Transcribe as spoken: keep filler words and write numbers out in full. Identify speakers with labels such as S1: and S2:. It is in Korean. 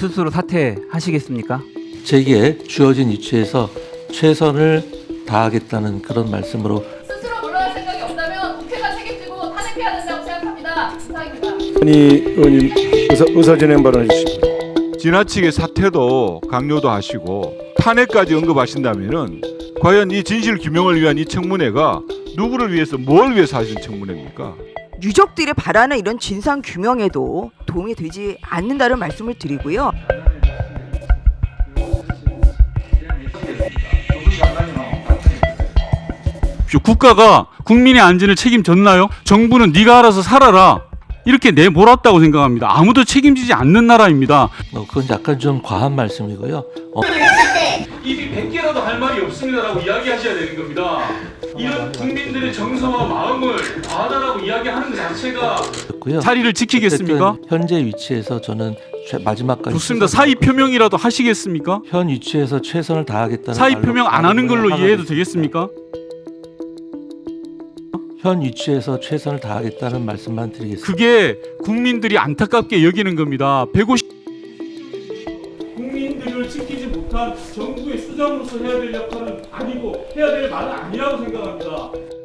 S1: 스스로 사퇴하시겠습니까?
S2: 제게 주어진 위치에서 최선을 다하겠다는 그런 말씀으로
S3: 스스로 물러날 생각이 없다면 국회가 책임지고 탄핵해야 된다고 생각합니다. 이상입니다.
S4: 이 의원님 의사, 의사진행 발언해 주십시오.
S5: 지나치게 사퇴도 강요도 하시고 탄핵까지 언급하신다면은 과연 이 진실 규명을 위한 이 청문회가 누구를 위해서 뭘 위해서 하신 청문회입니까?
S6: 유족들이 바라는 이런 진상 규명에도 도움이 되지 않는다는 말씀을 드리고요.
S7: 국가가 국민의 안전을 책임졌나요? 정부는 네가 알아서 살아라 이렇게 내몰았다고 생각합니다. 아무도 책임지지 않는 나라입니다.
S2: 어, 그건 약간 좀 과한 말씀이고요. 어,
S7: 입이 백 개라도 할 말이 없습니다라고 이야기하셔야 되는 겁니다. 이런 국민들의 정서와 마음을 아다라고 이야기하는 것 자체가
S2: 였고요.
S7: 자리를 지키겠습니까?
S2: 어쨌든 현재 위치에서 저는 최, 마지막까지
S7: 좋습니다.
S2: 최선을
S7: 사의 표명이라도 하시겠습니까?
S2: 현 위치에서 최선을 다하겠다는
S7: 사의
S2: 말로
S7: 표명 안 하는 걸로
S2: 하고
S7: 이해해도
S2: 있습니다.
S7: 되겠습니까?
S2: 현 위치에서 최선을 다하겠다는 말씀만 드리겠습니다.
S7: 그게 국민들이 안타깝게 여기는 겁니다. 백오십 국민들을 지키지 못한 정부의 수장으로서 해야 될 역할은 아니고 해야 될 말은 아니라고 생각합니다.